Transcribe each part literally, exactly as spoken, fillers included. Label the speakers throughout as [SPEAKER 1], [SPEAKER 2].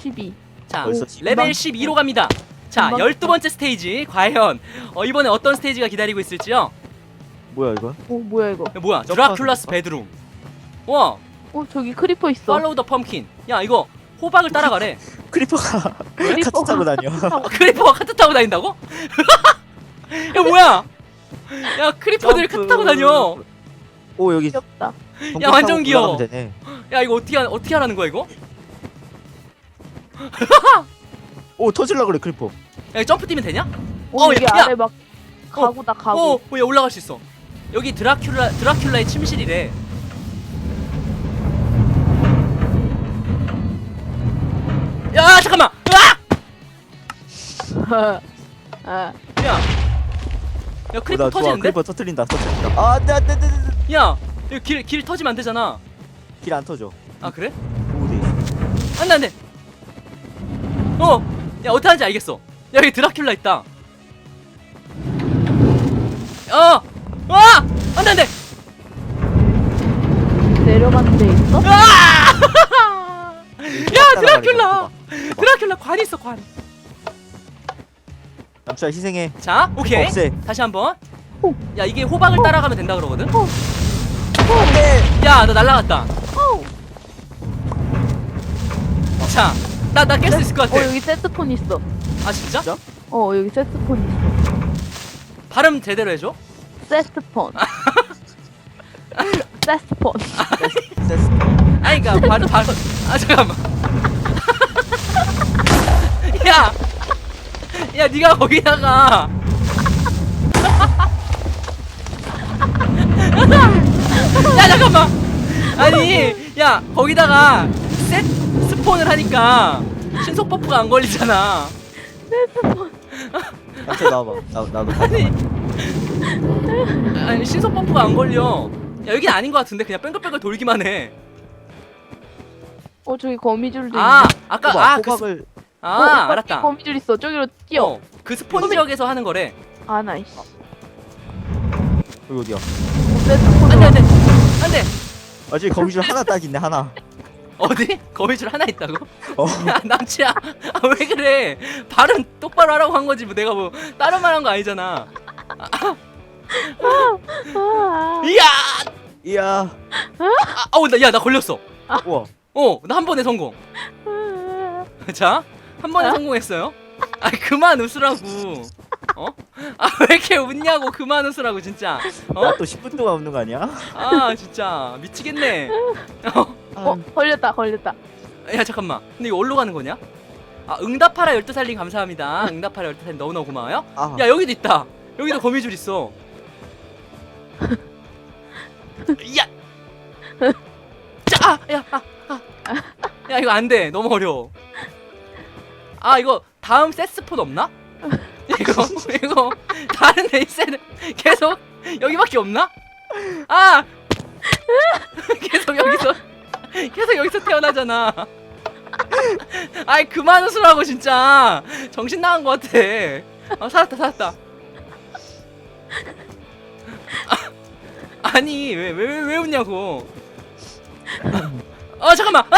[SPEAKER 1] 십이.
[SPEAKER 2] 자,
[SPEAKER 3] 벌써
[SPEAKER 2] 레벨
[SPEAKER 1] 금방-
[SPEAKER 2] 십이로 갑니다. 자,
[SPEAKER 1] 금방-
[SPEAKER 2] 열두 번째 스테이지. 과연 어, 이번에 어떤 스테이지가 기다리고 있을지요?
[SPEAKER 3] 뭐야 이거?
[SPEAKER 1] 어 뭐야 이거?
[SPEAKER 2] 야, 뭐야?
[SPEAKER 3] 점프하는
[SPEAKER 2] 드라큘라스
[SPEAKER 3] 건가?
[SPEAKER 2] 베드룸. 와,
[SPEAKER 1] 어 저기 크리퍼 있어.
[SPEAKER 2] 팔로우 더 펌킨. 야, 이거 호박을 따라가래.
[SPEAKER 3] 크리퍼가
[SPEAKER 1] 크리퍼가
[SPEAKER 3] 카트 타고 다녀.
[SPEAKER 2] 아, 크리퍼가 카트 타고 다닌다고? 야, 뭐야? 야, 크리퍼들이 카트 타고 다녀.
[SPEAKER 3] 오 여기
[SPEAKER 1] 귀엽다.
[SPEAKER 3] 동굴
[SPEAKER 2] 야, 완전
[SPEAKER 3] 타고
[SPEAKER 2] 귀여워.
[SPEAKER 3] 올라가면 되네.
[SPEAKER 2] 야, 이거 어떻게 하, 어떻게 하라는 거야, 이거?
[SPEAKER 3] 오 터질라 그래 크리퍼.
[SPEAKER 2] 야, 점프 뛰면 되냐?
[SPEAKER 1] 어,
[SPEAKER 2] 어,
[SPEAKER 1] 여기
[SPEAKER 2] 야,
[SPEAKER 1] 아래 막 가구다 가구.
[SPEAKER 2] 어, 어, 야, 올라갈 수 있어. 여기 드라큘라 드라큘라의 침실이래. 야, 잠깐만. 으악!
[SPEAKER 1] 아,
[SPEAKER 2] 야, 야,
[SPEAKER 3] 오,
[SPEAKER 2] 크리퍼
[SPEAKER 3] 나 좋아.
[SPEAKER 2] 터지는데?
[SPEAKER 3] 크리퍼 터트린다 터트린다. 아 안돼 안돼 안돼 안돼.
[SPEAKER 2] 야, 여기 길, 길 터지면 안 되잖아.
[SPEAKER 3] 길안 터져.
[SPEAKER 2] 아, 그래?
[SPEAKER 3] 오돼 있어.
[SPEAKER 2] 안 돼, 안 돼. 어, 야, 어떻게 하는지 알겠어. 야, 여기 드라큘라 있다. 어, 와, 안 돼, 안 돼.
[SPEAKER 1] 내려가는 데 있어?
[SPEAKER 2] 아! 야,
[SPEAKER 3] 따라가니까
[SPEAKER 2] 드라큘라.
[SPEAKER 3] 봐봐.
[SPEAKER 2] 드라큘라 관 있어, 관.
[SPEAKER 3] 남자 희생해.
[SPEAKER 2] 자, 오케이.
[SPEAKER 3] 없애.
[SPEAKER 2] 다시 한번.
[SPEAKER 1] 오.
[SPEAKER 2] 야, 이게 호박을 따라가면 된다 그러거든.
[SPEAKER 3] 안돼.
[SPEAKER 2] 야, 너 날라갔다.
[SPEAKER 1] 어.
[SPEAKER 2] 자, 나 나 깰 수 있을 것
[SPEAKER 1] 어
[SPEAKER 2] 같아.
[SPEAKER 1] 여기 세트폰 있어.
[SPEAKER 2] 아, 진짜?
[SPEAKER 3] 진짜?
[SPEAKER 1] 어 여기 세트폰 있어.
[SPEAKER 2] 발음 제대로 해줘.
[SPEAKER 1] 세트폰. 세트폰.
[SPEAKER 3] 됐어.
[SPEAKER 2] 아니, 그니까 발음 발음. 아, 잠깐만. 야, 야, 네가 거기다가. 야, 잠깐만. 아니, 야, 거기다가 셋 스폰을 하니까 신속 버프가 안 걸리잖아.
[SPEAKER 1] 세트폰.
[SPEAKER 3] 남자 나와봐. 나 나도.
[SPEAKER 2] 아니, 아니 신속 버프가 안 걸려. 야, 여긴 아닌 것 같은데 그냥 뺑글뺑글 돌기만 해.
[SPEAKER 1] 어 저기 거미줄도
[SPEAKER 2] 아,
[SPEAKER 1] 있네.
[SPEAKER 2] 아까
[SPEAKER 3] 호박,
[SPEAKER 2] 아, 그, 스-
[SPEAKER 3] 호박을
[SPEAKER 2] 아,
[SPEAKER 1] 어, 오빠
[SPEAKER 2] 알았다.
[SPEAKER 1] 거미줄 있어. 저기로 뛰어.
[SPEAKER 2] 어, 그 스폰 지역에서 하는 거래.
[SPEAKER 1] 아 나이스.
[SPEAKER 3] 여기 어디야?
[SPEAKER 1] 세트폰.
[SPEAKER 2] 안돼, 안돼, 안돼.
[SPEAKER 3] 아 저기 거미줄 하나 딱 있네 하나.
[SPEAKER 2] 어디? 거미줄 하나 있다고?
[SPEAKER 3] 어.
[SPEAKER 2] 야, 남치야, 아, 왜 그래? 발음 똑바로 하라고 한 거지 뭐. 내가 뭐 다른 말 한 거 아니잖아.
[SPEAKER 1] 아,
[SPEAKER 2] 이야,
[SPEAKER 3] 이야.
[SPEAKER 2] 아, 어, 나, 야, 나 걸렸어.
[SPEAKER 3] 우와.
[SPEAKER 2] 어, 나 한 번에 성공.
[SPEAKER 1] 아.
[SPEAKER 2] 자, 한 번에
[SPEAKER 1] 아?
[SPEAKER 2] 성공했어요. 아, 그만 웃으라고. 어? 아, 왜 이렇게 웃냐고. 그만 웃으라고 진짜. 어?
[SPEAKER 3] 나 또 십 분 동안 웃는 거 아니야?
[SPEAKER 2] 아, 진짜 미치겠네. 어,
[SPEAKER 1] 어 걸렸다 걸렸다.
[SPEAKER 2] 야, 잠깐만. 근데 이거 어디로 가는 거냐? 아, 응답하라 열두 살님 감사합니다. 응답하라 열두 살님 너무너무 고마워요.
[SPEAKER 3] 아.
[SPEAKER 2] 야, 여기도 있다. 여기도 거미줄 있어. 야, 자, 아, 야, 아, 아. 야, 이거 안 돼. 너무 어려워. 아, 이거 다음 세스폰 없나? 이거 이거 다른 레이스는 계속 여기밖에 없나? 아, 계속 여기서 계속 여기서 태어나잖아. 아이, 그만 웃으라고 진짜. 정신 나간 것 같아. 아, 살았다 살았다. 아, 아니 왜 왜 왜 왜 웃냐고. 아, 잠깐만. 아!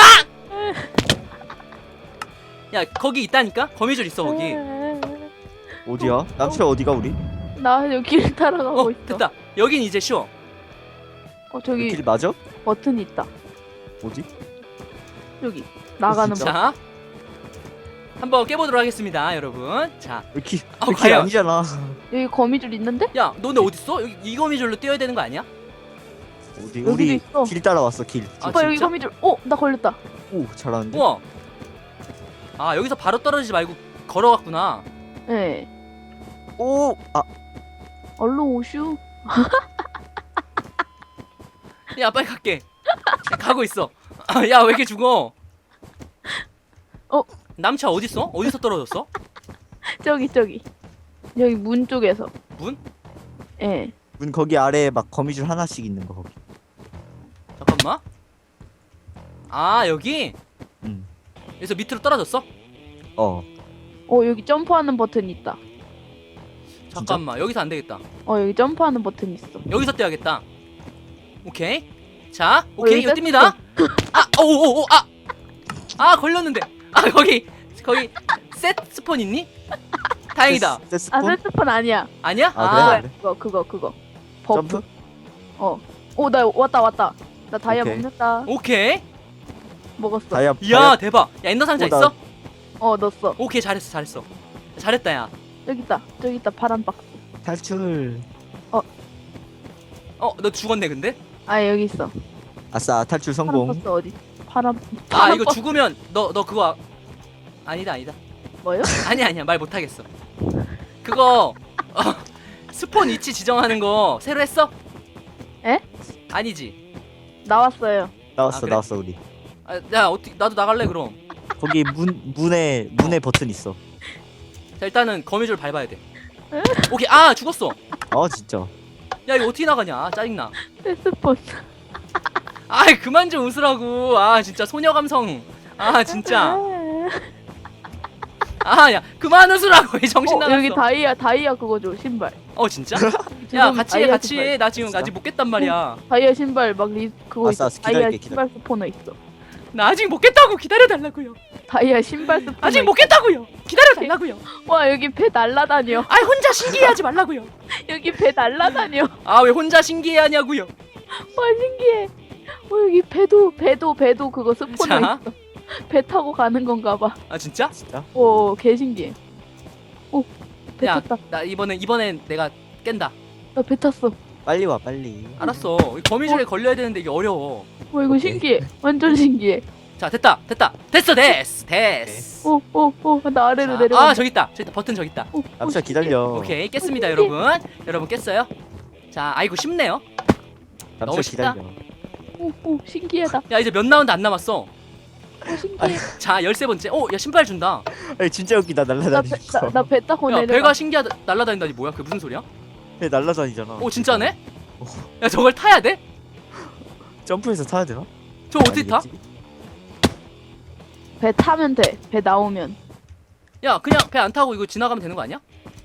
[SPEAKER 2] 야, 거기 있다니까? 거미줄 있어 거기.
[SPEAKER 3] 어디야? 남자 어디가 우리?
[SPEAKER 1] 나 여기 길 따라가고
[SPEAKER 2] 어,
[SPEAKER 1] 있어.
[SPEAKER 2] 됐다. 여긴 이제 쉬워.
[SPEAKER 1] 어 저기
[SPEAKER 3] 길 맞아?
[SPEAKER 1] 버튼 있다.
[SPEAKER 3] 어디?
[SPEAKER 1] 여기 나가는
[SPEAKER 3] 진짜?
[SPEAKER 1] 거.
[SPEAKER 2] 자, 한번 깨보도록 하겠습니다, 여러분. 자,
[SPEAKER 3] 여기
[SPEAKER 2] 어,
[SPEAKER 3] 길
[SPEAKER 2] 과연.
[SPEAKER 3] 아니잖아.
[SPEAKER 1] 여기 거미줄 있는데?
[SPEAKER 2] 야, 너네 어디 있어? 여기 이 거미줄로 뛰어야 되는 거 아니야?
[SPEAKER 3] 어디?
[SPEAKER 1] 여기도
[SPEAKER 3] 우리
[SPEAKER 1] 있어.
[SPEAKER 3] 길 따라왔어 길.
[SPEAKER 2] 아,
[SPEAKER 1] 오빠 여기
[SPEAKER 2] 진짜?
[SPEAKER 1] 거미줄. 어 나 걸렸다.
[SPEAKER 3] 오 잘하는데.
[SPEAKER 2] 우와. 아, 여기서 바로 떨어지지 말고 걸어갔구나.
[SPEAKER 1] 네.
[SPEAKER 3] 오. 아
[SPEAKER 1] 얼른 오슈.
[SPEAKER 2] 야, 빨리 갈게. 야, 가고 있어. 아, 야, 왜 이렇게 죽어?
[SPEAKER 1] 어?
[SPEAKER 2] 남차 어디 있어? 어디서 떨어졌어?
[SPEAKER 1] 저기 저기. 여기 문 쪽에서.
[SPEAKER 2] 문?
[SPEAKER 1] 예.
[SPEAKER 3] 문 거기 아래에 막 거미줄 하나씩 있는 거 거기.
[SPEAKER 2] 잠깐만. 아, 여기?
[SPEAKER 3] 응.
[SPEAKER 2] 여기서 밑으로 떨어졌어?
[SPEAKER 3] 어.
[SPEAKER 1] 어 여기 점프하는 버튼 있다.
[SPEAKER 2] 잠깐만, 여기서 안 되겠다.
[SPEAKER 1] 어 여기 점프하는 버튼 있어.
[SPEAKER 2] 여기서 떼야겠다. 오케이. 자, 오케이,
[SPEAKER 1] 여기
[SPEAKER 2] 이거 띱니다. 아, 오오오, 아, 아, 걸렸는데. 아 거기 거기 셋 스폰 있니? 다행이다.
[SPEAKER 3] 세스- 세스폰?
[SPEAKER 1] 아 세스폰 아니야.
[SPEAKER 2] 아니야?
[SPEAKER 3] 아,
[SPEAKER 2] 아,
[SPEAKER 3] 그래?
[SPEAKER 1] 그거 그거 그거. 버프.
[SPEAKER 3] 점프?
[SPEAKER 1] 어. 오 나 왔다 왔다. 나 다이아
[SPEAKER 3] 오케이.
[SPEAKER 1] 먹는다.
[SPEAKER 2] 오케이.
[SPEAKER 1] 먹었어.
[SPEAKER 3] 다이아
[SPEAKER 2] 이야 대박. 야 엔더 상자
[SPEAKER 3] 어, 나-
[SPEAKER 2] 있어?
[SPEAKER 1] 어 넣었어.
[SPEAKER 2] 오케이 잘했어 잘했어. 잘했다 야.
[SPEAKER 1] 저기 있다. 저기 있다. 파란 박스.
[SPEAKER 3] 탈출.
[SPEAKER 2] 어 너 죽었네 근데?
[SPEAKER 1] 아 여기 있어.
[SPEAKER 3] 아싸 탈출
[SPEAKER 1] 파란
[SPEAKER 3] 성공.
[SPEAKER 1] 박스 어디? 파란.
[SPEAKER 2] 아
[SPEAKER 1] 파란
[SPEAKER 2] 이거
[SPEAKER 1] 박스
[SPEAKER 2] 죽으면 너 너 그거 아... 아니다 아니다.
[SPEAKER 1] 뭐요?
[SPEAKER 2] 아니야 아니야 말 못하겠어. 그거 어, 스폰 위치 지정하는 거 새로 했어?
[SPEAKER 1] 에?
[SPEAKER 2] 아니지.
[SPEAKER 1] 나왔어요.
[SPEAKER 3] 나왔어
[SPEAKER 2] 아, 그래?
[SPEAKER 3] 나왔어 우리.
[SPEAKER 2] 아, 야 어떻게 나도 나갈래 그럼.
[SPEAKER 3] 거기 문 문에 문에 버튼 있어.
[SPEAKER 2] 자 일단은 거미줄 밟아야 돼. 오케이 아 죽었어.
[SPEAKER 3] 아 진짜.
[SPEAKER 2] 야 이거 어떻게 나가냐 짜증나.
[SPEAKER 1] 세스폰.
[SPEAKER 2] 아이 그만 좀 웃으라고. 아 진짜 소녀 감성. 아 진짜. 아 야 그만 웃으라고. 이 정신
[SPEAKER 1] 어,
[SPEAKER 2] 나갔어.
[SPEAKER 1] 여기 다이아 다이아 그거 줘 신발.
[SPEAKER 2] 어 진짜? 야
[SPEAKER 1] 지금
[SPEAKER 2] 같이 해
[SPEAKER 1] 다이아
[SPEAKER 2] 같이
[SPEAKER 1] 신발.
[SPEAKER 2] 해. 나 지금
[SPEAKER 3] 진짜?
[SPEAKER 2] 아직 못 깼단 말이야.
[SPEAKER 1] 다이아 신발 막 리, 그거
[SPEAKER 3] 아싸,
[SPEAKER 1] 있어.
[SPEAKER 3] 기다릴게,
[SPEAKER 1] 다이아
[SPEAKER 3] 기다릴게.
[SPEAKER 1] 신발 스포너 있어.
[SPEAKER 2] 나 아직 못 깼다고 기다려 달라고요.
[SPEAKER 1] 다이아 신발 스포너.
[SPEAKER 2] 아직 못 깼다고요. 기다려 달라고요.
[SPEAKER 1] 와 여기 배 날라다녀.
[SPEAKER 2] 아 혼자 신기해하지 말라고요.
[SPEAKER 1] 여기 배 날라다녀.
[SPEAKER 2] 아 왜 혼자 신기해하냐고요.
[SPEAKER 1] 와 신기해. 어 여기 배도 배도 배도 그거 스포너
[SPEAKER 2] 자.
[SPEAKER 1] 있어. 배 타고 가는 건가 봐.
[SPEAKER 2] 아 진짜?
[SPEAKER 3] 진짜?
[SPEAKER 1] 오 개신기해. 오배
[SPEAKER 2] 야
[SPEAKER 1] 탔다.
[SPEAKER 2] 나 이번엔 이번엔 내가 깬다.
[SPEAKER 1] 나 배 탔어.
[SPEAKER 3] 빨리 와 빨리.
[SPEAKER 2] 알았어. 이 거미줄에 걸려야 되는데 이게 어려워.
[SPEAKER 1] 와 이거
[SPEAKER 3] 오케이.
[SPEAKER 1] 신기해. 완전 신기해.
[SPEAKER 2] 자 됐다 됐다 됐어 됐어 됐어.
[SPEAKER 1] 오오오나 아래로
[SPEAKER 2] 자,
[SPEAKER 1] 내려가.
[SPEAKER 2] 아 저기 있다 저기 있다 버튼 저기 있다.
[SPEAKER 1] 오, 오,
[SPEAKER 3] 남자
[SPEAKER 1] 신기해.
[SPEAKER 3] 기다려.
[SPEAKER 2] 오케이 깼습니다 여러분. 여러분 깼어요? 자 아이고 쉽네요. 너무
[SPEAKER 3] 남자
[SPEAKER 2] 쉽다.
[SPEAKER 3] 기다려.
[SPEAKER 1] 오, 오 신기하다.
[SPEAKER 2] 야 이제 몇 라운드 안 남았어.
[SPEAKER 1] 오 신기해.
[SPEAKER 2] 자 열세 번째. 오야 신발 준다.
[SPEAKER 3] 아니 진짜 웃기다 날라다니는 거.
[SPEAKER 1] 나배 배 타고
[SPEAKER 2] 야
[SPEAKER 1] 내려가.
[SPEAKER 2] 배가 신기하다 날라다닌다니 뭐야 그게 무슨 소리야?
[SPEAKER 3] 배 날라다니잖아.
[SPEAKER 2] 오 진짜네? 야 저걸 타야 돼?
[SPEAKER 3] 점프해서 타야 되나?
[SPEAKER 2] 저 어떻게 타?
[SPEAKER 3] 아니겠지?
[SPEAKER 1] 배 타면 돼. 배 나오면.
[SPEAKER 2] 야 그냥 배 안 타고 이거 지나가면 되는 거 아니야?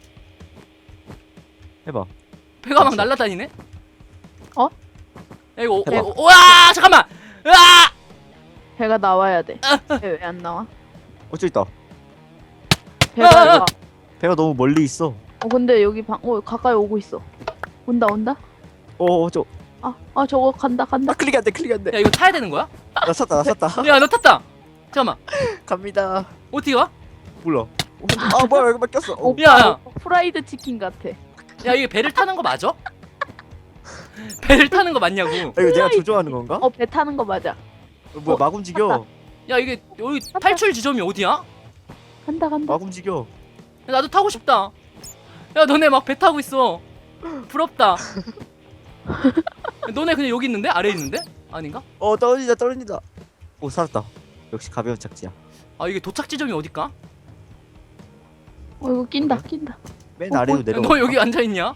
[SPEAKER 3] 해봐.
[SPEAKER 2] 배가 막
[SPEAKER 3] 그치.
[SPEAKER 2] 날라다니네?
[SPEAKER 1] 어?
[SPEAKER 2] 야 이거
[SPEAKER 3] 해봐.
[SPEAKER 2] 어, 어, 와 잠깐만. 으아!
[SPEAKER 1] 배가 나와야 돼. 배 왜 안 나와?
[SPEAKER 3] 어 저기 있다.
[SPEAKER 1] 배가
[SPEAKER 2] 아, 아,
[SPEAKER 1] 나와.
[SPEAKER 3] 배가 너무 멀리 있어.
[SPEAKER 1] 어 근데 여기 방, 어 가까이 오고 있어. 온다 온다.
[SPEAKER 3] 어 저.
[SPEAKER 1] 아, 아 저거 간다 간다.
[SPEAKER 3] 아 클릭 안 돼 클릭 안 돼.
[SPEAKER 2] 야 이거 타야 되는 거야?
[SPEAKER 3] 나 샀다 나 샀다.
[SPEAKER 2] 야 너 탔다. 잠깐만
[SPEAKER 3] 갑니다.
[SPEAKER 2] 어떻게 가?
[SPEAKER 3] 몰라. 아 뭐야 여기 막혔어. 어.
[SPEAKER 1] 오빠
[SPEAKER 2] 야, 야.
[SPEAKER 1] 오빠 프라이드 치킨 같아.
[SPEAKER 2] 야 이게 배를 타는 거 맞아? 배를 타는 거 맞냐고.
[SPEAKER 3] 아, 이거 내가 조종하는 건가?
[SPEAKER 1] 어 배 타는 거 맞아.
[SPEAKER 3] 어, 뭐야
[SPEAKER 1] 어,
[SPEAKER 3] 막 움직여.
[SPEAKER 2] 야 이게 여기 탈출 지점이 어디야?
[SPEAKER 1] 간다 간다.
[SPEAKER 3] 막 움직여.
[SPEAKER 2] 야, 나도 타고 싶다. 야 너네 막 배 타고 있어. 부럽다. 너네 그냥 여기 있는데? 아래 있는데? 아닌가?
[SPEAKER 3] 어 떨어진다 떨어진다. 오 살았다. 역시 가벼운 착지야.
[SPEAKER 2] 아 이게 도착 지점이 어딜까?
[SPEAKER 1] 어 이거 낀다 낀다.
[SPEAKER 3] 맨
[SPEAKER 1] 어,
[SPEAKER 3] 아래로
[SPEAKER 1] 어,
[SPEAKER 3] 내려가.
[SPEAKER 2] 너 여기 앉아 있냐?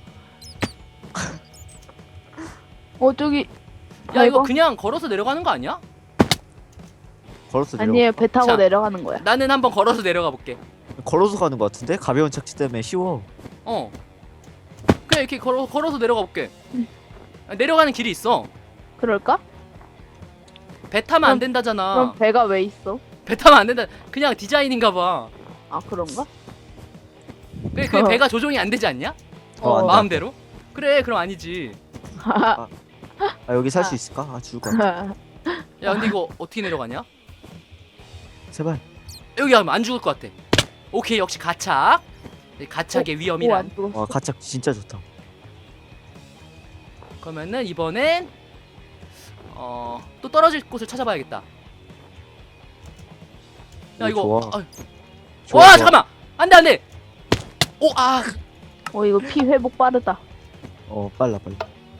[SPEAKER 1] 어 저기.
[SPEAKER 2] 야 이거
[SPEAKER 1] 아이고.
[SPEAKER 2] 그냥 걸어서 내려가는 거 아니야?
[SPEAKER 3] 걸어서 내려.
[SPEAKER 1] 아니에요 배 타고
[SPEAKER 2] 자.
[SPEAKER 1] 내려가는 거야.
[SPEAKER 2] 나는 한번 걸어서 내려가 볼게.
[SPEAKER 3] 걸어서 가는 거 같은데? 가벼운 착지 때문에 쉬워.
[SPEAKER 2] 어. 그냥 이렇게 걸어 걸어서 내려가 볼게.
[SPEAKER 1] 응.
[SPEAKER 2] 아, 내려가는 길이 있어.
[SPEAKER 1] 그럴까?
[SPEAKER 2] 배 타면 안
[SPEAKER 1] 그럼-
[SPEAKER 2] 된다잖아.
[SPEAKER 1] 그럼 배가 왜 있어?
[SPEAKER 2] 배 타면 안 된다. 그냥 디자인인가 봐.
[SPEAKER 1] 아 그런가?
[SPEAKER 2] 그게, 그게
[SPEAKER 1] 어.
[SPEAKER 2] 배가 조종이 안 되지 않냐?
[SPEAKER 3] 어, 안 돼.
[SPEAKER 2] 마음대로? 그래 그럼 아니지.
[SPEAKER 3] 아 여기 살 수 있을까? 아 죽을 것 같아.
[SPEAKER 2] 야 근데 이거 어떻게 내려가냐?
[SPEAKER 3] 제발.
[SPEAKER 2] 여기 하면 안 죽을 것 같아. 오케이 역시 가착. 이 가착의 위험이란.
[SPEAKER 1] 오안 죽었어.
[SPEAKER 3] 와 가착 진짜 좋다.
[SPEAKER 2] 그러면은 이번엔 어 또 떨어질 곳을 찾아봐야겠다. 야
[SPEAKER 3] 오,
[SPEAKER 2] 이거
[SPEAKER 3] 좋아.
[SPEAKER 2] 아,
[SPEAKER 3] 좋아,
[SPEAKER 2] 와
[SPEAKER 3] 좋아.
[SPEAKER 2] 잠깐만 안돼 안돼. 오아
[SPEAKER 1] 어 이거 피 회복 빠르다.
[SPEAKER 3] 어 빨라 빨라.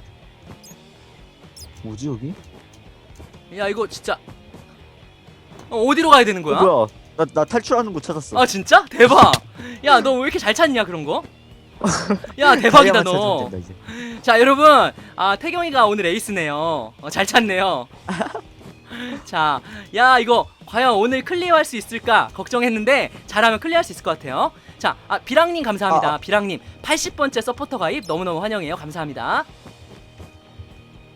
[SPEAKER 3] 뭐지 여기?
[SPEAKER 2] 야 이거 진짜 어, 어디로 가야 되는 거야?
[SPEAKER 3] 어, 뭐야? 나 나 탈출하는 곳 찾았어.
[SPEAKER 2] 아 진짜 대박. 야 너 왜 이렇게 잘 찾냐 그런 거? 야 대박이다
[SPEAKER 3] 다이아만
[SPEAKER 2] 너.
[SPEAKER 3] 찾으면 된다, 이제.
[SPEAKER 2] 자 여러분 아 태경이가 오늘 에이스네요. 어, 잘 찾네요. 자, 야 이거 과연 오늘 클리어할 수 있을까 걱정했는데 잘하면 클리어할 수 있을 것 같아요. 자, 아, 비랑님 감사합니다.
[SPEAKER 3] 아, 아.
[SPEAKER 2] 비랑님 팔십 번째 서포터 가입 너무너무 환영해요. 감사합니다.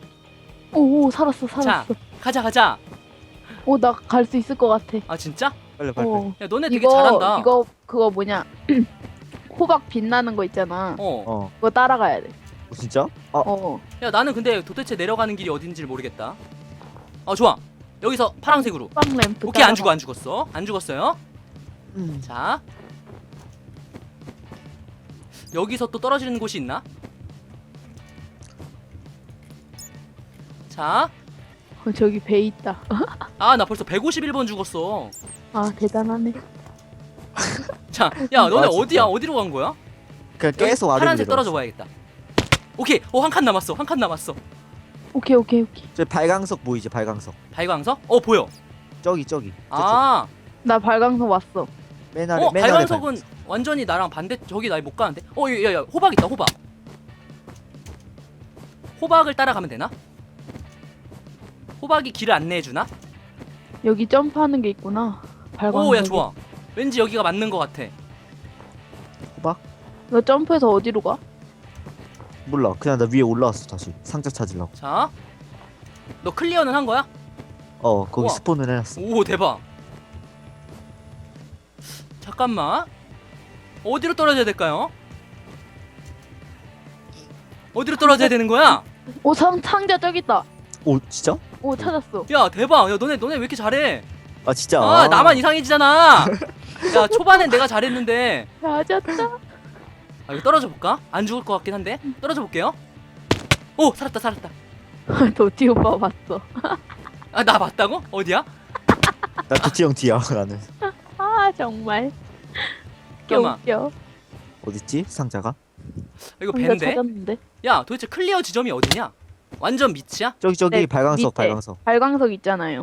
[SPEAKER 1] 오, 오 살았어 살았어.
[SPEAKER 2] 가자 가자.
[SPEAKER 1] 오 나 갈 수 있을 것 같아.
[SPEAKER 2] 아 진짜?
[SPEAKER 3] 빨리 빨리. 빨리.
[SPEAKER 1] 어.
[SPEAKER 2] 야 너네 되게
[SPEAKER 1] 이거
[SPEAKER 2] 잘한다.
[SPEAKER 1] 이거 그거 뭐냐? 호박 빛나는 거 있잖아.
[SPEAKER 2] 어.
[SPEAKER 3] 어.
[SPEAKER 1] 그거 따라가야 돼.
[SPEAKER 3] 어, 진짜? 아,
[SPEAKER 1] 어.
[SPEAKER 2] 야 나는 근데 도대체 내려가는 길이 어딘지를 모르겠다. 어 좋아. 여기서 파란색으로.
[SPEAKER 1] 호박 램프.
[SPEAKER 2] 오케이 안
[SPEAKER 1] 따라가.
[SPEAKER 2] 죽어 안 죽었어. 안 죽었어요.
[SPEAKER 3] 음.
[SPEAKER 2] 자. 여기서 또 떨어지는 곳이 있나? 자.
[SPEAKER 1] 어, 저기 배 있다.
[SPEAKER 2] 아 나 벌써 백오십일 번 죽었어.
[SPEAKER 1] 아 대단하네.
[SPEAKER 2] 자, 야 너네
[SPEAKER 3] 아, 진짜.
[SPEAKER 2] 어디야? 어디로 간 거야?
[SPEAKER 3] 그냥
[SPEAKER 2] 여기
[SPEAKER 3] 계속 아래로
[SPEAKER 2] 파란색
[SPEAKER 3] 내려왔어.
[SPEAKER 2] 떨어져 봐야겠다. 오케이. 어 한 칸 남았어. 한 칸 남았어.
[SPEAKER 1] 오케이 오케이 오케이.
[SPEAKER 3] 저 발광석 보이지? 발광석.
[SPEAKER 2] 발광석? 어 보여.
[SPEAKER 3] 저기 저기.
[SPEAKER 2] 아.
[SPEAKER 1] 나 발광석 왔어.
[SPEAKER 3] 맨 아래
[SPEAKER 2] 어
[SPEAKER 3] 맨 아래
[SPEAKER 2] 발광석은
[SPEAKER 3] 발광석.
[SPEAKER 2] 완전히 나랑 반대. 저기 나 못 가는데. 어 야야 호박 있다. 호박. 호박을 따라가면 되나? 호박이 길을 안내해 주나?
[SPEAKER 1] 여기 점프하는 게 있구나. 발광석.
[SPEAKER 2] 오 야 좋아. 왠지 여기가 맞는 것 같아.
[SPEAKER 3] 호박?
[SPEAKER 1] 너 점프해서 어디로 가?
[SPEAKER 3] 몰라. 그냥 나 위에 올라왔어 다시. 상자 찾으려고.
[SPEAKER 2] 자. 너 클리어는 한 거야?
[SPEAKER 3] 어 거기
[SPEAKER 2] 우와.
[SPEAKER 3] 스폰을 해놨어.
[SPEAKER 2] 오 대박. 잠깐만. 어디로 떨어져야 될까요? 어디로 떨어져야 되는 거야?
[SPEAKER 1] 오 상, 상자 저기 있다.
[SPEAKER 3] 오 진짜?
[SPEAKER 1] 오 찾았어.
[SPEAKER 2] 야 대박. 야 너네 너네 왜 이렇게 잘해?
[SPEAKER 3] 아 진짜.
[SPEAKER 2] 아 나만 이상해지잖아. 야 초반엔 내가 잘했는데.
[SPEAKER 1] 찾았다.
[SPEAKER 2] 아 이거 떨어져 볼까? 안 죽을 것 같긴 한데 떨어져 볼게요. 오 살았다 살았다.
[SPEAKER 1] 도티 오빠 봤어.
[SPEAKER 2] 아 나 맞다고? 어디야?
[SPEAKER 3] 나 도티 형 뒤야 나는.
[SPEAKER 1] 아 정말. 웃겨
[SPEAKER 2] 잠깐만.
[SPEAKER 1] 웃겨.
[SPEAKER 3] 어딨지 상자가?
[SPEAKER 2] 이거
[SPEAKER 1] 혼자
[SPEAKER 2] 밴데?
[SPEAKER 1] 찾았는데.
[SPEAKER 2] 야 도대체 클리어 지점이 어디냐? 완전 밑이야?
[SPEAKER 3] 저기 저기
[SPEAKER 1] 네,
[SPEAKER 3] 발광석
[SPEAKER 1] 밑에.
[SPEAKER 3] 발광석.
[SPEAKER 1] 발광석 있잖아요.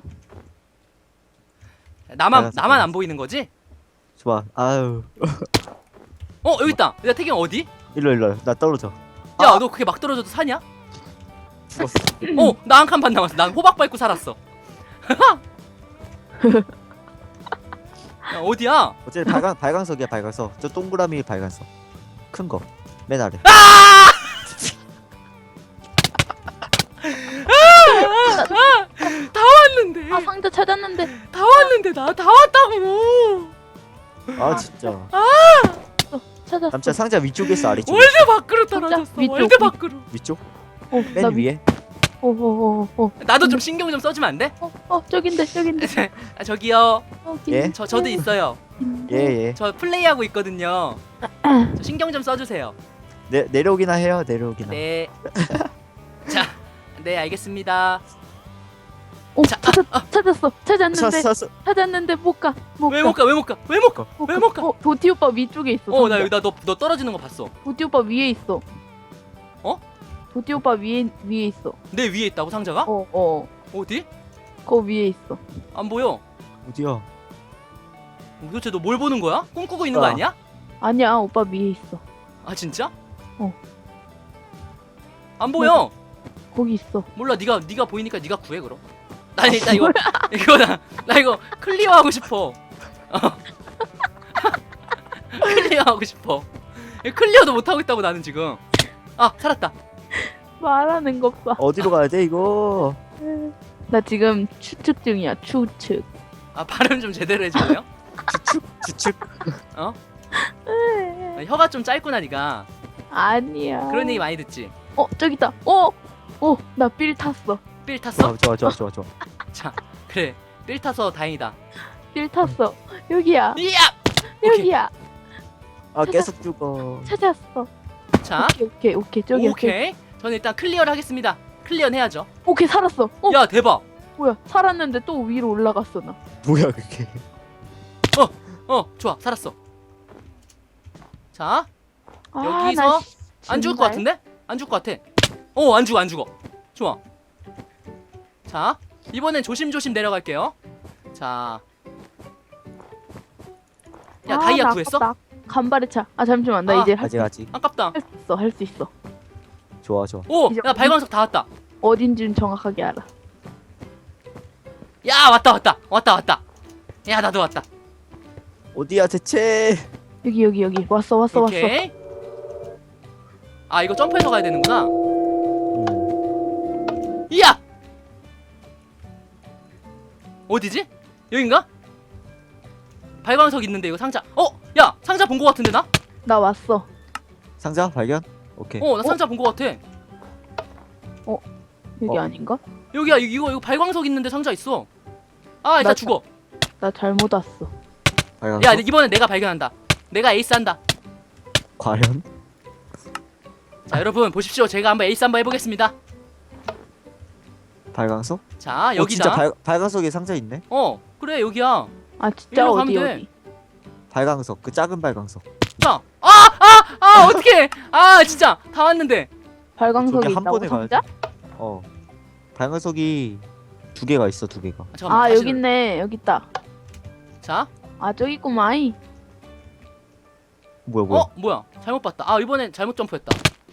[SPEAKER 2] 나만
[SPEAKER 3] 알았어,
[SPEAKER 2] 나만 안
[SPEAKER 3] 알았어.
[SPEAKER 2] 보이는 거지?
[SPEAKER 3] 좋아. 아유.
[SPEAKER 2] 어 여기 있다. 야 태경 어디?
[SPEAKER 3] 일로 일로. 나 떨어져.
[SPEAKER 2] 야 너 그게 막 떨어져도 사냐?
[SPEAKER 3] 죽었어.
[SPEAKER 2] 어 나 한 칸 반 남았어. 난 호박 밟고 살았어. 야 어디야?
[SPEAKER 3] 어차피 발광 발광석이야 발광석. 저 동그라미 발광석. 큰 거. 맨 아래.
[SPEAKER 2] 다 왔는데.
[SPEAKER 1] 아 상자 찾았는데.
[SPEAKER 2] 다 왔는데 나 다 왔다고.
[SPEAKER 3] 아 진짜.
[SPEAKER 1] 찾았어.
[SPEAKER 3] 남자 상자 위쪽에 있어 아래쪽?
[SPEAKER 2] 월드 밖으로
[SPEAKER 1] 진짜?
[SPEAKER 2] 떨어졌어.
[SPEAKER 1] 위쪽,
[SPEAKER 2] 월드
[SPEAKER 1] 위-
[SPEAKER 2] 밖으로.
[SPEAKER 3] 위쪽?
[SPEAKER 1] 어,
[SPEAKER 3] 맨
[SPEAKER 1] 나
[SPEAKER 3] 위에?
[SPEAKER 1] 오오오오.
[SPEAKER 2] 나도 좀 신경 좀 써주면 안 돼?
[SPEAKER 1] 어, 어 저긴데 저긴데.
[SPEAKER 2] 아, 저기요.
[SPEAKER 1] 저기.
[SPEAKER 3] 예?
[SPEAKER 2] 저 저도 있어요.
[SPEAKER 3] 예 예.
[SPEAKER 2] 저 플레이하고 있거든요. 저 신경 좀 써주세요.
[SPEAKER 3] 내 내려오기나 해요 내려오기나.
[SPEAKER 2] 네. 자, 네 알겠습니다.
[SPEAKER 1] 오
[SPEAKER 2] 자,
[SPEAKER 1] 찾았, 찾았어. 찾았는데
[SPEAKER 3] 찾았어 찾았어.
[SPEAKER 1] 찾았는데 못 가. 못
[SPEAKER 2] 왜
[SPEAKER 1] 가.
[SPEAKER 2] 못 가? 왜 못 가? 왜 못 가?
[SPEAKER 1] 못
[SPEAKER 2] 왜
[SPEAKER 1] 가.
[SPEAKER 2] 못 가?
[SPEAKER 1] 어 도티 오빠 위쪽에 있어.
[SPEAKER 2] 어, 나
[SPEAKER 1] 상자.
[SPEAKER 2] 여기 나너 너 떨어지는 거 봤어.
[SPEAKER 1] 도티 오빠 위에 있어.
[SPEAKER 2] 어?
[SPEAKER 1] 도티 오빠 위에 위에 있어.
[SPEAKER 2] 내 위에 있다고 상자가?
[SPEAKER 1] 어 어.
[SPEAKER 2] 어디?
[SPEAKER 1] 거 위에 있어.
[SPEAKER 2] 안 보여.
[SPEAKER 3] 어디야?
[SPEAKER 2] 도대체 너 뭘 보는 거야? 꿈꾸고 있는 거
[SPEAKER 3] 아.
[SPEAKER 2] 아니야?
[SPEAKER 1] 아니야 오빠 위에 있어.
[SPEAKER 2] 아 진짜?
[SPEAKER 1] 어.
[SPEAKER 2] 안 보여.
[SPEAKER 1] 거기 있어.
[SPEAKER 2] 몰라. 네가 네가 보이니까 네가 구해 그럼. 난 일단 이거 이거 나, 나 이거 클리어하고 싶어. 어. 클리어하고 싶어. 이거 클리어도 못 하고 있다고 나는 지금. 아 살았다.
[SPEAKER 1] 말하는 것 봐.
[SPEAKER 3] 어디로 가야 돼 이거?
[SPEAKER 1] 나 지금 추측 중이야. 추측.
[SPEAKER 2] 아 발음 좀 제대로 해줄래요?
[SPEAKER 3] 추측 추측.
[SPEAKER 2] 어? 나 혀가 좀 짧구나 니가.
[SPEAKER 1] 아니야.
[SPEAKER 2] 그런 얘기 많이 듣지.
[SPEAKER 1] 어 저기 있다. 어. 어 나 삘 탔어.
[SPEAKER 2] 삘 탔어?
[SPEAKER 3] 아, 좋아 좋아 좋아 좋아.
[SPEAKER 2] 자 그래. 삘 타서 다행이다.
[SPEAKER 1] 삘 탔어. 여기야.
[SPEAKER 2] 이야. 오케이.
[SPEAKER 1] 여기야.
[SPEAKER 3] 아 계속 죽어.
[SPEAKER 1] 찾았어.
[SPEAKER 2] 자
[SPEAKER 1] 오케이 오케이 오케이 저기
[SPEAKER 2] 오케이. 저는 일단 클리어를 하겠습니다. 클리어는 해야죠.
[SPEAKER 1] 오케이 살았어. 어
[SPEAKER 2] 야 대박.
[SPEAKER 1] 뭐야 살았는데 또 위로 올라갔어 나.
[SPEAKER 3] 뭐야 그게?
[SPEAKER 2] 어 좋아 살았어. 자
[SPEAKER 1] 아,
[SPEAKER 2] 여기서
[SPEAKER 1] 나 씨,
[SPEAKER 2] 안 죽을 것
[SPEAKER 1] 정말.
[SPEAKER 2] 같은데? 안 죽을 것 같아. 어, 안 죽어, 안 죽어. 좋아. 자, 이번엔 조심조심 내려갈게요. 자. 야,
[SPEAKER 1] 아,
[SPEAKER 2] 다이아
[SPEAKER 1] 나
[SPEAKER 2] 구했어?
[SPEAKER 1] 아깝다. 간발의 차. 아 잠시만 나
[SPEAKER 2] 아,
[SPEAKER 1] 이제 할
[SPEAKER 3] 아직 아직.
[SPEAKER 2] 아깝다.
[SPEAKER 1] 수 있어 할 수 있어.
[SPEAKER 3] 좋아 좋아.
[SPEAKER 2] 오,
[SPEAKER 1] 이제
[SPEAKER 2] 야, 발광석 다 왔다.
[SPEAKER 1] 어딘지는 정확하게 알아.
[SPEAKER 2] 야, 왔다, 왔다. 왔다, 왔다. 야, 나도 왔다.
[SPEAKER 3] 어디야 대체?
[SPEAKER 1] 여기 여기 여기 왔어 왔어 왔어.
[SPEAKER 2] 오케이. 아, 이거 점프해서 가야 되는구나.
[SPEAKER 3] 음.
[SPEAKER 2] 이야! 어디지? 여긴가? 발광석 있는데 이거 상자. 어, 야 상자 본 거 같은데 나?
[SPEAKER 1] 나 왔어.
[SPEAKER 3] 상자 발견? 오케이.
[SPEAKER 2] 어, 나 상자 본 거 같아.
[SPEAKER 1] 여기
[SPEAKER 3] 어.
[SPEAKER 1] 아닌가?
[SPEAKER 2] 여기야 이거 이거 발광석 있는데 상자 있어. 아, 일단
[SPEAKER 1] 나
[SPEAKER 2] 죽어.
[SPEAKER 1] 나 잘못 왔어.
[SPEAKER 3] 발광석?
[SPEAKER 2] 야 이번엔 내가 발견한다. 내가 에이스 한다.
[SPEAKER 3] 과연?
[SPEAKER 2] 자 여러분 보십시오. 제가 한번 에이스 한번 해보겠습니다.
[SPEAKER 3] 발광석?
[SPEAKER 2] 자
[SPEAKER 3] 어,
[SPEAKER 2] 여기다.
[SPEAKER 3] 진짜 발, 발광석에 상자 있네?
[SPEAKER 2] 어 그래 여기야.
[SPEAKER 1] 아 진짜
[SPEAKER 2] 일로
[SPEAKER 1] 어디
[SPEAKER 2] 가면 돼.
[SPEAKER 1] 여기?
[SPEAKER 3] 발광석 그 작은 발광석.
[SPEAKER 2] 자, 아, 아, 아, 어떡해. 아, 진짜 다 왔는데.
[SPEAKER 1] 발광석이
[SPEAKER 3] 저기 한
[SPEAKER 1] 있다고
[SPEAKER 3] 번에
[SPEAKER 1] 상자?
[SPEAKER 3] 가야지. 어. 발광석이 두 개가 있어, 두 개가.
[SPEAKER 2] 아, 잠깐만,
[SPEAKER 1] 아
[SPEAKER 2] 다시
[SPEAKER 1] 여기
[SPEAKER 2] 눌러.
[SPEAKER 1] 있네. 여기 있다.
[SPEAKER 2] 자,
[SPEAKER 1] 아 저기 있구만.
[SPEAKER 3] 뭐야, 뭐야?
[SPEAKER 2] 어, 뭐야? 잘못 봤다. 아, 이번엔 잘못 점프했다.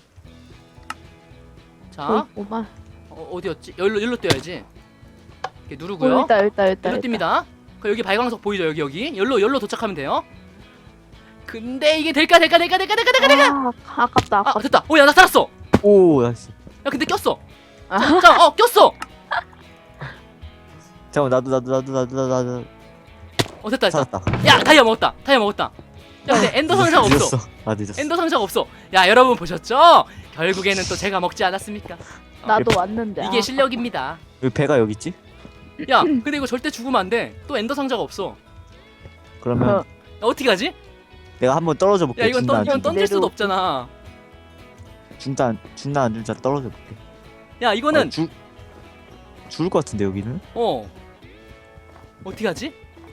[SPEAKER 2] 자,
[SPEAKER 1] 저기 있구만.
[SPEAKER 2] 어, 어디였지? 여기로 여기로 뛰어야지. 이렇게
[SPEAKER 1] 어,
[SPEAKER 2] 누르고요.
[SPEAKER 1] 여기 있다 여기 있다 여기 있다.
[SPEAKER 2] 여기로
[SPEAKER 1] 여기 있다.
[SPEAKER 2] 뜁니다. 그 여기 발광석 보이죠? 여기 여기. 여기로 여기로 도착하면 돼요. 근데 이게 될까 될까 될까 될까 될까 될까 될까?
[SPEAKER 1] 아 아깝다
[SPEAKER 2] 아,
[SPEAKER 1] 아깝다.
[SPEAKER 2] 됐다. 오, 야, 나 살았어.
[SPEAKER 3] 오, 나이스.
[SPEAKER 2] 야, 근데 꼈어.
[SPEAKER 1] 아.
[SPEAKER 2] 자, 자, 어, 꼈어.
[SPEAKER 3] 잠깐만, 나도, 나도, 나도, 나도, 나도, 나도.
[SPEAKER 2] 어, 됐다, 됐다.
[SPEAKER 3] 살았다.
[SPEAKER 2] 야, 다이아 먹었다. 다이아 먹었다. 야, 근데 엔더 상자가 없어.
[SPEAKER 3] 늦었어. 아, 늦었어.
[SPEAKER 2] 엔더 상자가 없어. 야, 여러분 보셨죠? 결국에는 또 제가 먹지 않았습니까?
[SPEAKER 1] 나도 왔는데.
[SPEAKER 2] 이게
[SPEAKER 1] 아.
[SPEAKER 2] 실력입니다.
[SPEAKER 3] 여기 배가 여기 있지?
[SPEAKER 2] 야, 근데 이거 절대 죽으면 안 돼. 또 엔더 상자가 없어.
[SPEAKER 3] 그러면
[SPEAKER 1] 어.
[SPEAKER 2] 야, 어떻게 하지?
[SPEAKER 3] 내가 한번 떨어져 볼게.
[SPEAKER 2] 야, 이건,
[SPEAKER 3] 죽나
[SPEAKER 2] 던,
[SPEAKER 3] 안
[SPEAKER 2] 이건
[SPEAKER 3] 죽나.
[SPEAKER 2] 던질 수도
[SPEAKER 1] 내려오고.
[SPEAKER 2] 없잖아.
[SPEAKER 3] 죽나, 안- 죽나 안 죽나 떨어져 볼게.
[SPEAKER 2] 야, 이거는
[SPEAKER 3] 아, 죽, 죽을 것 같은데, 여기는?
[SPEAKER 2] 어. 어떻게 하지?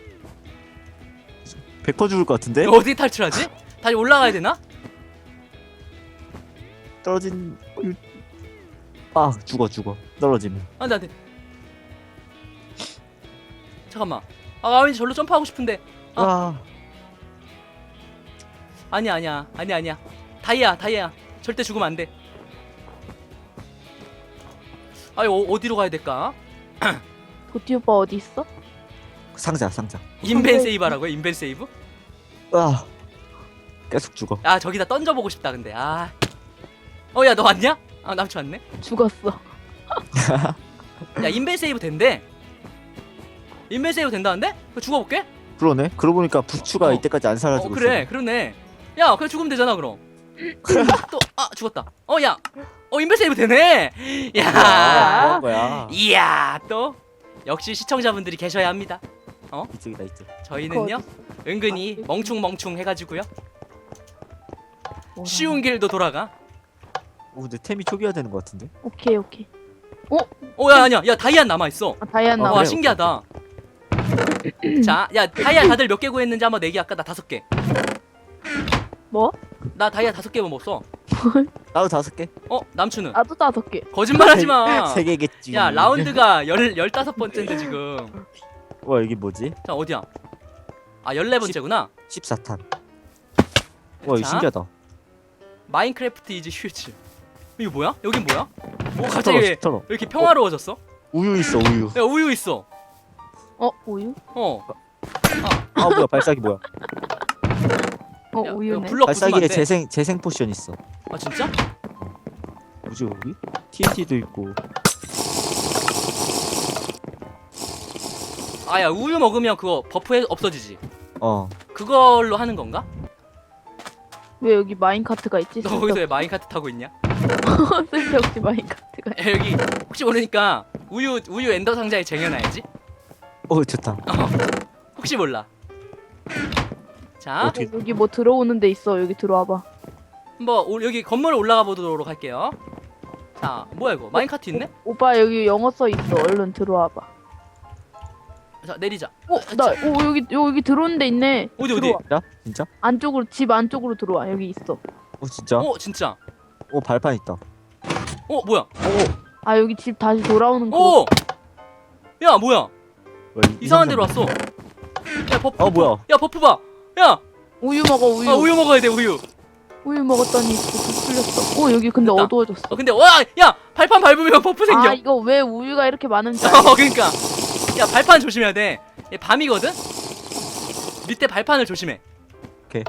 [SPEAKER 3] 백 퍼센트 죽을 것 같은데?
[SPEAKER 2] 이거 어떻게 탈출하지? 다시 올라가야 되나?
[SPEAKER 3] 떨어진... 아, 죽어, 죽어. 떨어지면.
[SPEAKER 2] 안 돼, 안 돼. 잠깐만. 아, 왠지 절로 점프하고 싶은데. 아.
[SPEAKER 3] 와.
[SPEAKER 2] 아니야, 아니야. 아니야, 아니야. 다이아, 다이아. 절대 죽으면 안 돼. 아, 이거 어, 어디로 가야 될까?
[SPEAKER 1] 도티 오빠 어디 있어?
[SPEAKER 3] 상자, 상자.
[SPEAKER 2] 인벤 세이브 하라고요? 인벤 세이브?
[SPEAKER 3] 아. 계속 죽어.
[SPEAKER 2] 아, 저기다 던져보고 싶다, 근데. 아. 어, 야, 너 왔냐? 아, 남친 왔네.
[SPEAKER 1] 죽었어.
[SPEAKER 2] 야, 인벤 세이브 된대. 인벤 세이브 된다는데? 그거 죽어볼게?
[SPEAKER 3] 그러네. 그러고 보니까 부추가
[SPEAKER 2] 어.
[SPEAKER 3] 이때까지 안
[SPEAKER 2] 어,
[SPEAKER 3] 사라지고
[SPEAKER 2] 그래,
[SPEAKER 3] 있어.
[SPEAKER 2] 그러네. 야, 그래 죽으면 되잖아, 그럼. 또, 아, 죽었다. 어, 야. 어, 인벤 세이브 되네. 야.
[SPEAKER 3] 아, 뭐한 거야?
[SPEAKER 2] 이야, 또. 역시 시청자분들이 계셔야 합니다.
[SPEAKER 3] 이쪽이다, 이쪽.
[SPEAKER 2] 저희는요, 은근히
[SPEAKER 1] 아,
[SPEAKER 2] 멍충멍충 해가지고요.
[SPEAKER 1] 뭐라.
[SPEAKER 2] 쉬운 길도 돌아가.
[SPEAKER 3] 오, 근데 템이 초기화 되는 것 같은데?
[SPEAKER 1] 오케이 오케이.
[SPEAKER 2] 어, 야, 아니야. 야, 다이아 남아있어.
[SPEAKER 1] 아, 다이아나.
[SPEAKER 3] 어,
[SPEAKER 2] 와,
[SPEAKER 3] 그래,
[SPEAKER 2] 신기하다. 자, 야, 다이아 다들 몇 개 구했는지 한번 내기. 아까 나 다섯 개.
[SPEAKER 1] 뭐?
[SPEAKER 2] 나 다이아 다섯 개 먹었어.
[SPEAKER 3] 나도 다섯 개.
[SPEAKER 2] 어, 남추는?
[SPEAKER 1] 나도 다섯 개.
[SPEAKER 2] 거짓말하지 마.
[SPEAKER 3] 세 개겠지.
[SPEAKER 2] 야, 라운드가 열 열다섯 번째인데 지금.
[SPEAKER 3] 와, 여기 뭐지?
[SPEAKER 2] 자, 어디야? 아, 열네 번째구나.
[SPEAKER 3] 십사 탄. 와, 이거
[SPEAKER 2] 자.
[SPEAKER 3] 신기하다.
[SPEAKER 2] 마인크래프트 이즈 휴즈. 이거 뭐야? 여긴 뭐야? 오, 갑자기 왜
[SPEAKER 3] 스터러.
[SPEAKER 2] 이렇게 평화로워졌어?
[SPEAKER 3] 우유 있어, 우유.
[SPEAKER 2] 야, 우유 있어.
[SPEAKER 1] 어 우유?
[SPEAKER 2] 어.
[SPEAKER 3] 아, 뭐야, 발사기 뭐야?
[SPEAKER 1] 어
[SPEAKER 2] 야,
[SPEAKER 1] 우유네.
[SPEAKER 2] 야, 블럭 부수면
[SPEAKER 3] 발사기에
[SPEAKER 2] 안 돼.
[SPEAKER 3] 재생 재생 포션 있어.
[SPEAKER 2] 아, 진짜?
[SPEAKER 3] 뭐지 여기? 티엔티도 있고.
[SPEAKER 2] 아, 야, 우유 먹으면 그거 버프 해- 없어지지.
[SPEAKER 3] 어.
[SPEAKER 2] 그걸로 하는 건가?
[SPEAKER 1] 왜 여기 마인카트가 있지?
[SPEAKER 2] 너 거기서 왜 마인카트 타고 있냐?
[SPEAKER 1] 쓸데없이 마인카트가.
[SPEAKER 2] 야, 여기 혹시 모르니까 우유 우유 엔더 상자에 쟁여놔야지.
[SPEAKER 3] 어, 좋다.
[SPEAKER 2] 혹시 몰라. 자,
[SPEAKER 3] 어떻게-
[SPEAKER 1] 여기 뭐 들어오는 데 있어. 여기 들어와봐.
[SPEAKER 2] 한번 오- 여기 건물 올라가 보도록 할게요. 자, 뭐야 이거? 마인카트 있네?
[SPEAKER 1] 오빠 여기 영어 써 있어. 얼른 들어와봐.
[SPEAKER 2] 자, 내리자.
[SPEAKER 1] 어, 나, 오 여기 여기 들어오는 데 있네.
[SPEAKER 2] 어디, 어디?
[SPEAKER 1] 들어와.
[SPEAKER 3] 진짜? 진짜?
[SPEAKER 1] 안쪽으로 집 안쪽으로 들어와. 여기 있어.
[SPEAKER 3] 어, 진짜?
[SPEAKER 2] 어, 진짜.
[SPEAKER 3] 오, 발판 있다.
[SPEAKER 2] 어, 뭐야?
[SPEAKER 1] 아 여기 집 다시 돌아오는 거.
[SPEAKER 2] 오! 야, 뭐야?
[SPEAKER 3] 와, 이-
[SPEAKER 2] 이상한
[SPEAKER 3] 이상한
[SPEAKER 2] 데로 왔어. 야, 버프.
[SPEAKER 3] 어, 뭐야?
[SPEAKER 2] 야, 버프 봐. 야,
[SPEAKER 1] 우유 먹어 우유.
[SPEAKER 2] 아, 우유 먹어야 돼, 우유.
[SPEAKER 1] 우유 먹었더니 불 풀렸어. 어 여기 근데
[SPEAKER 2] 됐다.
[SPEAKER 1] 어두워졌어.
[SPEAKER 2] 어, 근데 와, 야, 발판 밟으면 버프 생겨.
[SPEAKER 1] 아 이거 왜 우유가 이렇게 많은지.
[SPEAKER 2] 어, 그러니까. 야, 발판 조심해야 돼. 얘 밤이거든. 밑에 발판을 조심해.
[SPEAKER 3] 오케이.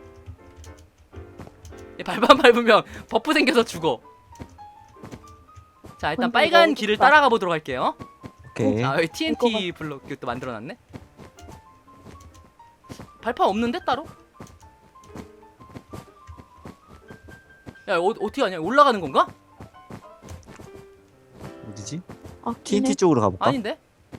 [SPEAKER 2] 얘 발판 밟으면 버프 생겨서 죽어. 자, 일단
[SPEAKER 1] 근데
[SPEAKER 2] 빨간
[SPEAKER 1] 이거
[SPEAKER 2] 길을
[SPEAKER 1] 어떡하-
[SPEAKER 2] 따라가 보도록 할게요.
[SPEAKER 3] 오케이.
[SPEAKER 2] 아, 여기
[SPEAKER 1] 이거
[SPEAKER 2] 티엔티 블록 또 만들어놨네. 발판 없는데 따로? 야 어, 어떻게 하냐? 올라가는 건가?
[SPEAKER 3] 어디지?
[SPEAKER 1] 아,
[SPEAKER 3] 티엔티 쪽으로 가볼까?
[SPEAKER 2] 아닌데?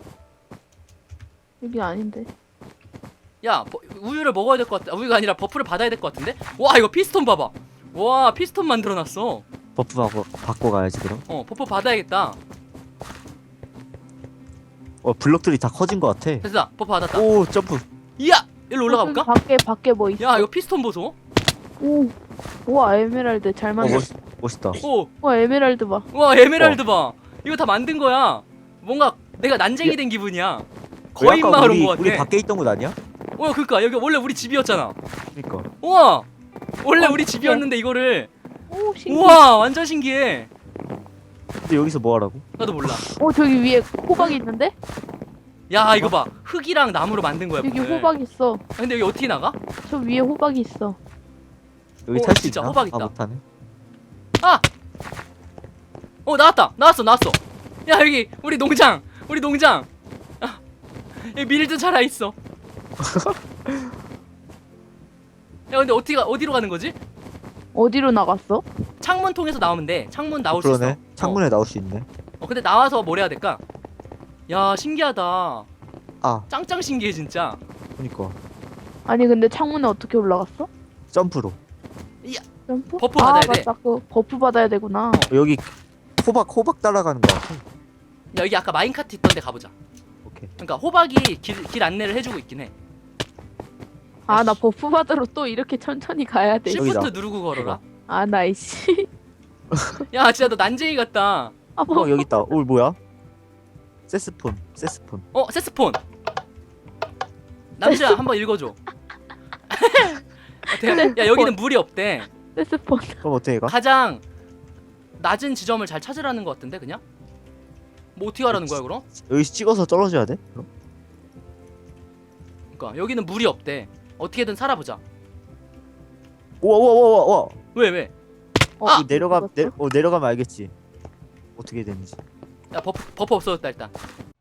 [SPEAKER 1] 여기 아닌데.
[SPEAKER 2] 야 버, 우유를 먹어야 될 것 같아. 우유가 아니라 버프를 받아야 될 것 같은데? 와 이거 피스톤 봐봐. 와 피스톤 만들어놨어.
[SPEAKER 3] 버프 바꿔, 바꿔 가야지 그럼.
[SPEAKER 2] 어 버프 받아야겠다.
[SPEAKER 3] 어 블럭들이 다 커진 것 같아.
[SPEAKER 2] 됐다. 버프 받았다.
[SPEAKER 3] 오 점프.
[SPEAKER 2] 이야 일로 올라가 볼까?
[SPEAKER 1] 밖에 밖에 뭐 있어?
[SPEAKER 2] 야 이거 피스톤 보소.
[SPEAKER 1] 오, 우와 에메랄드 잘
[SPEAKER 3] 어
[SPEAKER 1] 만들.
[SPEAKER 3] 멋, 멋있다.
[SPEAKER 2] 오,
[SPEAKER 1] 우와 에메랄드 봐.
[SPEAKER 2] 와 에메랄드 봐. 이거 다 만든 거야. 뭔가 내가 난쟁이 된 기분이야. 거인
[SPEAKER 3] 왜 아까
[SPEAKER 2] 마을
[SPEAKER 3] 우리,
[SPEAKER 2] 온 거 같아.
[SPEAKER 3] 우리 밖에 있던 곳 아니야?
[SPEAKER 2] 어 그니까 여기 원래 우리 집이었잖아.
[SPEAKER 3] 그러니까.
[SPEAKER 2] 우와 원래
[SPEAKER 1] 와,
[SPEAKER 2] 우리
[SPEAKER 1] 신기해.
[SPEAKER 2] 집이었는데 이거를.
[SPEAKER 1] 오 신기해.
[SPEAKER 2] 우와 완전 신기해.
[SPEAKER 3] 근데 여기서 뭐 하라고?
[SPEAKER 2] 나도 몰라.
[SPEAKER 1] 오 저기 위에 호박 있는데?
[SPEAKER 2] 야 이거 봐 흙이랑 나무로 만든 거야.
[SPEAKER 1] 여기
[SPEAKER 2] 문을.
[SPEAKER 1] 호박 있어.
[SPEAKER 2] 아, 근데 여기 어떻게 나가?
[SPEAKER 1] 저 위에 호박이 있어.
[SPEAKER 3] 여기
[SPEAKER 2] 어,
[SPEAKER 3] 탈 수
[SPEAKER 2] 진짜
[SPEAKER 3] 있나?
[SPEAKER 2] 호박 있다.
[SPEAKER 3] 아 못하네.
[SPEAKER 2] 아! 어 나왔다 나왔어 나왔어. 야 여기 우리 농장 우리 농장. 아, 여기 밀도 자라있어. 야 근데 어떻게 가, 어디로 가는 거지?
[SPEAKER 1] 어디로 나갔어?
[SPEAKER 2] 창문 통해서 나오면 돼. 창문 나올 수
[SPEAKER 3] 그러네.
[SPEAKER 2] 있어.
[SPEAKER 3] 창문에 나올 수 있네.
[SPEAKER 2] 어, 어 근데 나와서 뭘 해야 될까? 야 신기하다.
[SPEAKER 3] 아
[SPEAKER 2] 짱짱 신기해 진짜.
[SPEAKER 3] 그니까
[SPEAKER 1] 아니 근데 창문에 어떻게 올라갔어?
[SPEAKER 3] 점프로.
[SPEAKER 1] 점프?
[SPEAKER 2] 버프
[SPEAKER 1] 아,
[SPEAKER 2] 받아야 돼.
[SPEAKER 1] 맞다. 그 버프 받아야 되구나.
[SPEAKER 3] 어, 여기 호박 호박 따라가는 거 같아.
[SPEAKER 2] 야 여기 아까 마인카트 있던데 가보자.
[SPEAKER 3] 오케이.
[SPEAKER 2] 그러니까 호박이 길, 길 안내를 해주고 있긴 해.
[SPEAKER 1] 아 나 버프 받으러 또 이렇게 천천히 가야 돼.
[SPEAKER 3] 여기다.
[SPEAKER 2] 시프트 누르고 걸어라.
[SPEAKER 1] 아 나이씨.
[SPEAKER 2] 야 진짜 너 난쟁이 같다.
[SPEAKER 1] 아
[SPEAKER 3] 어
[SPEAKER 1] 버프.
[SPEAKER 3] 여기 있다. 오 뭐야? 세스폰. 세스폰.
[SPEAKER 2] 어 세스폰. 남주야 한번 읽어줘. 어때? 야 여기는 물이 없대.
[SPEAKER 1] 세스폰.
[SPEAKER 3] 그럼 어떻게 가?
[SPEAKER 2] 가장 낮은 지점을 잘 찾으라는 것 같은데 그냥? 뭐 어떻게 하라는 거야 그럼?
[SPEAKER 3] 여기 찍어서 떨어져야 돼? 그럼?
[SPEAKER 2] 그러니까 여기는 물이 없대. 어떻게든 살아보자.
[SPEAKER 3] 우와 우와 우와 우와.
[SPEAKER 2] 왜 왜?
[SPEAKER 1] 어,
[SPEAKER 2] 아!
[SPEAKER 3] 내려가
[SPEAKER 1] 죽었어?
[SPEAKER 3] 내, 어 내려가면 알겠지. 어떻게 되는지.
[SPEAKER 2] 야 버프 버프 없어졌다 일단.